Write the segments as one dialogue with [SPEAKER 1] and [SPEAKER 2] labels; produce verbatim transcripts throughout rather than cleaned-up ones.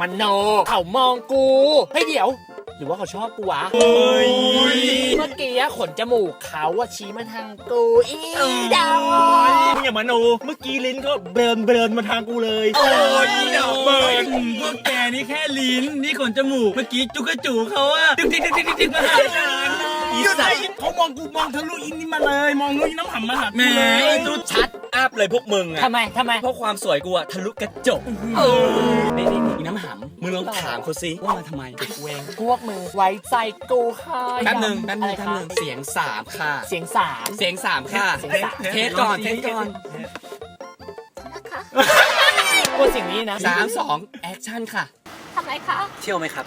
[SPEAKER 1] มันโนเขามองกูเฮ้ยเดี๋ยวหรือว่าเขาชอบกูวะ
[SPEAKER 2] เฮ้ย
[SPEAKER 1] เมื่อกี้ขนจมูกเขาอะชี้มาทางกูอีดาว
[SPEAKER 2] มึงอย่ามาโนเมื่อกี้ลิ้นก็เบิร์นเบิร์นมาทางกูเลยโอ้ยดอกเบิร์นพวกแกนี่แค่ลิ้นนี่ขนจมูกเมื่อกี้จุกกระจูเขาอะติ๊กติ๊กติ๊กติ๊กติ๊กมาหาฉันอีสัตว์เขามองกูมองทะลุอินนี่มาเลยมองทะลุอินน้ำหำมาหากูเลยจุดชัดอัพเลยพวกมึงอะ
[SPEAKER 1] ทำไมทำไม
[SPEAKER 2] เพราะความสวยกูอะทะลุกระจกนี่นี่นี่น้ำหำมึงลองถามเขาสิว่ามาทำไมเวง
[SPEAKER 1] พวกมึงไว้ใจกูค่ะ
[SPEAKER 2] แป๊บหนึ่งแป๊บหนึ่ง
[SPEAKER 1] อะไร
[SPEAKER 2] แป๊บ
[SPEAKER 1] คะ
[SPEAKER 2] หนึ่งเสียงสามค่ะ
[SPEAKER 1] เสียงสาม
[SPEAKER 2] เสียงสามค่ะ
[SPEAKER 1] เสียงสาม
[SPEAKER 2] เทสก่อนเทสก่อน
[SPEAKER 1] กลัวสิ่งนี้นะ
[SPEAKER 2] สามสองแอคชั่นค่ะ
[SPEAKER 3] ทำไรคะ
[SPEAKER 2] เที่ยวไหมครับ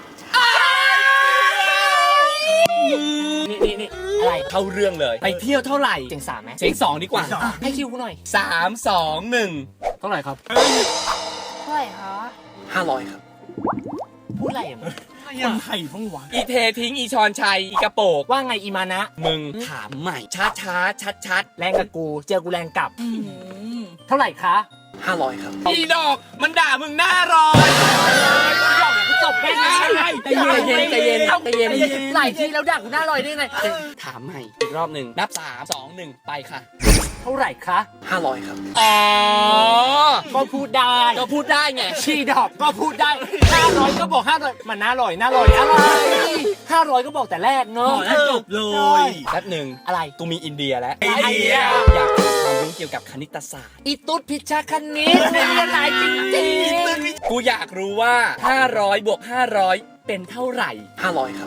[SPEAKER 1] นี่นี่นี่อะไร
[SPEAKER 2] เข้าเรื่องเลยไปเที่ยวเท่าไหร่
[SPEAKER 1] เสียงสามไหม
[SPEAKER 2] เสียงสองดีกว่า
[SPEAKER 1] อ่ะให้คิวกูหน่อย
[SPEAKER 2] สามสองหนึ่ง
[SPEAKER 1] เท่าไหร่ครับ
[SPEAKER 3] เท่าไหร่คะ
[SPEAKER 2] ห้าร้อยครับ
[SPEAKER 1] พูดอะไรอ่ะมึง
[SPEAKER 2] คนไทยพ้องหวานอีเททิ้งอีชอนชัยอีกระโปก
[SPEAKER 1] ว่าไงอีมานะ
[SPEAKER 2] มึงถามใหม่ช้าช้าชัดชัด
[SPEAKER 1] แรงกับกูเจอกูแรงกลับ เท่าไหร่คะ
[SPEAKER 2] ห้าร้อยครับอีดอกมันด่ามึงหน้าร้อน
[SPEAKER 1] จบแค่นี้
[SPEAKER 2] ใจเย็นใจเย็นใจเย็น
[SPEAKER 1] หลายทีแล้วดักกูหน้าลอยได้ไง
[SPEAKER 2] ถามใหม่อีกรอบหนึ่งนับสามสองหนึ่งไปค่ะ
[SPEAKER 1] เท่าไหร่คะ
[SPEAKER 2] ห้าร้อยครับ
[SPEAKER 1] อ๋อก็พูดได้
[SPEAKER 2] ก็พูดได้ไง
[SPEAKER 1] ชีดอกก็พูดได้ห้าร้อยก็บอกห้าร้อยมันน่าลอยน่าลอยอะไรห้าร้อยก็บอกแต่แรกเนาะ
[SPEAKER 2] จบเลยแป๊บหนึ่ง
[SPEAKER 1] อะไร
[SPEAKER 2] กูมีอินเดียแล้ว
[SPEAKER 1] อินเดีย
[SPEAKER 2] อยากรู้ความรู้เกี่ยวกับคณิตศาสตร์
[SPEAKER 1] อีตุ๊ดพิชชาคณิตไม่มีอะไรจริงๆ
[SPEAKER 2] กูอยากรู้ว่าห้าร้อยบวกห้าร้อยเป็นเท่าไหร่ห้าร้อยครับ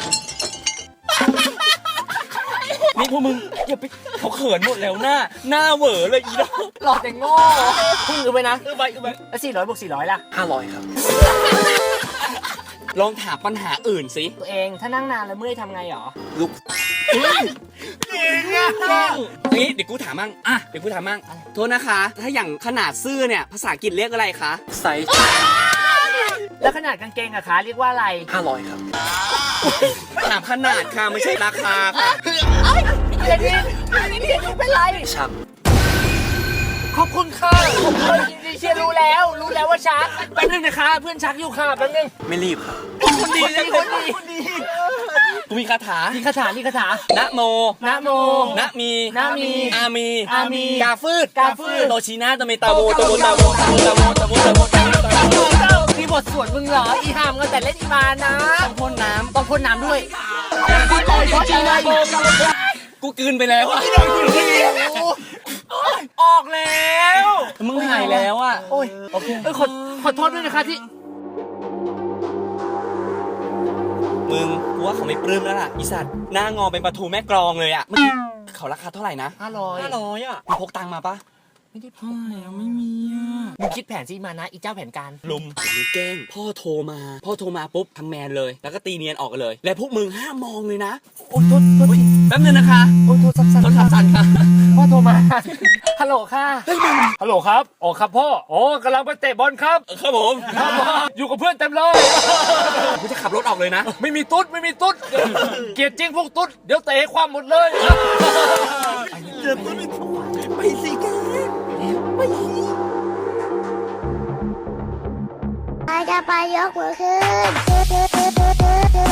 [SPEAKER 2] นี่พวกมึงอย่าไปเขาเขินหมดแล้วหน้าหน้าเหวอเลยอีดอก
[SPEAKER 1] หลอกแต่โง่พึ่งอือไปนะ
[SPEAKER 2] เออไปเออไป
[SPEAKER 1] แล้วสี่ร้อยบวกสี่ร้อยล่ะ
[SPEAKER 2] ห้าร้อยครับ ลองถามปัญหาอื่นสิ
[SPEAKER 1] ตัวเองถ้านั่งนานแล้วเมื่อยทำไงหรอ
[SPEAKER 2] ลูกเก่งอะนี่เดี๋ยวกูถามมั่งอ่ะเดี๋ยวกูถามมั่งโทษนะคะ ถ้าอย่างขนาดเสื้อเนี่ยภาษาอังกฤษเรียกอะไรคะไซส์
[SPEAKER 1] แล้วขนาดกางเกงอะคะเรียกว่าอะไร
[SPEAKER 2] ห้าร้อยครับ ถามขนาดค่ะไม่ใช่ราคาค่ะ
[SPEAKER 1] เดี๋ยวนี้เดี๋ยวนี้เป็นไร
[SPEAKER 2] ชัก
[SPEAKER 1] ขอบคุณค่ะผมเคยดิเชียรู้แล้ว รู้แล้วว่าชักแป๊บนึงนะคะ เพื่อนชักอยู่ค่ะแป๊บนึง
[SPEAKER 2] ไม่รีบครับ
[SPEAKER 1] คนดีคนดีคนดี
[SPEAKER 2] กูมีคาถา
[SPEAKER 1] นี่คาถานี่คาถา
[SPEAKER 2] นะโม
[SPEAKER 1] นะโม
[SPEAKER 2] นะมี
[SPEAKER 1] นะมี
[SPEAKER 2] อามี
[SPEAKER 1] อามี
[SPEAKER 2] กาฟืด
[SPEAKER 1] กาฟืด
[SPEAKER 2] โตชินาตะเมตาโวตะโวตะโวตะโวตะโวตะโวตะโวตะโวตะโว
[SPEAKER 1] มีบทสวดมึงเหรอ อีหามกันแต่เล่นอีมานะ
[SPEAKER 2] ต้องพ่นน้
[SPEAKER 1] ต้องพ่นน้ำด้วย
[SPEAKER 2] ำกูกลืนไปแล้วอะออกแล้วมึงหายแล้วอะ
[SPEAKER 1] โอ้ยโอเคเอ้ยขอขอโทษด้วยนะคะที่
[SPEAKER 2] มึงกูว่าเขาไม่ปลื้มแล้วล่ะอีสัตว์หน้างอเป็นปลาทูแม่กลองเลยอะมึงเขาราคาเท่าไหร่นะ
[SPEAKER 1] ห้าร้อย
[SPEAKER 2] ห้าร้อยอะมึงพกตังค์มาปะ
[SPEAKER 1] ไม่ได้พอแล้วไม่มีอ่ะมึงคิดแผนสิมานะ อีเจ้าแผนการ
[SPEAKER 2] ลุมมึงแกล้งพ่อโทรมา พ่อโทรมาปุ๊บทำแมนเลย แล้วก็ตีเนียนออกกันเลย และพวกมึงห้ามมองเลยนะ
[SPEAKER 1] โอ้โทษโทษ
[SPEAKER 2] แป๊บนึงนะคะ
[SPEAKER 1] โอ้โทษสับสัน
[SPEAKER 2] โทรศัพท์สั่นค่ะ
[SPEAKER 1] พ่อโทรมา ฮัลโหลค่ะ ฮัลโหลครับอ๋อครับพ่ออ๋อกำลังไปเตะบอลครับ
[SPEAKER 2] ครับผม
[SPEAKER 1] ครับอยู่กับเพื่อนเต็มเลย
[SPEAKER 2] กูจะขับรถออกเลยนะ
[SPEAKER 1] ไม่มีตุ๊ดไม่มีตุ๊ด เกลียดจริงพวกตุ๊ด เดี๋ยวเตะให้ความหมดเลย
[SPEAKER 2] เจอตุ๊ดไปสิแก
[SPEAKER 3] ใครจะไปยกมือขึ้น